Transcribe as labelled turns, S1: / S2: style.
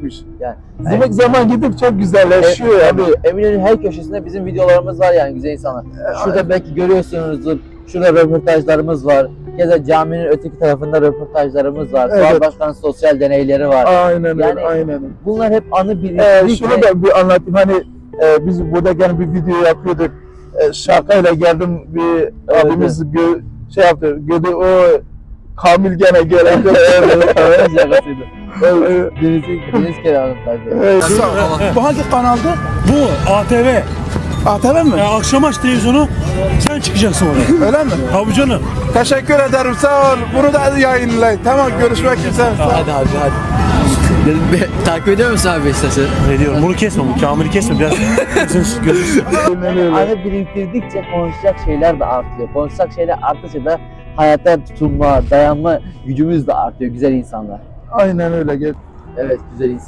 S1: güzelleşecekmiş.
S2: Yani,
S1: Demek zaman gidip çok güzelleşiyor yani.
S2: Tabii Eminönü her köşesinde bizim videolarımız var yani güzel insanlar. Şurada belki görüyorsunuzdur. Şurada röportajlarımız var. Keza caminin öteki tarafında röportajlarımız var.
S1: Evet.
S2: Suat Başkan'ın sosyal deneyleri var.
S1: Aynen öyle,
S2: Yani
S1: aynen öyle.
S2: bunlar hep anı biriktirdikçe.
S1: Şunu da bir anlatayım. Hani biz burada gene bir video yapıyorduk. Şakayla geldim bir abimiz şey yaptı. Gördü o Kamil gene gelince
S2: Deniz kenarındaydı.
S3: Bu hangi kanaldı?
S4: Bu ATV.
S3: ATV mi?
S4: Akşam aç televizyonu, sen çıkacaksın oraya.
S3: Öyle mi?
S4: Tabii canım.
S3: Teşekkür ederim, sağ ol. Bunu da yayınlayın. Tamam, görüşmek üzere.
S5: Hadi abi hadi. Dedim, takip ediyor musun abi Beşiktaş'ı?
S4: Ne diyorum, bunu kesme, bu Kamil'i kesme biraz. Gözünüz.
S2: Anı biriktirdikçe konuşacak şeyler de artıyor. Konuşacak şeyler arttıkça da hayata tutunma, dayanma gücümüz de artıyor güzel insanlar.
S1: Aynen öyle.
S2: Evet güzel insanlar.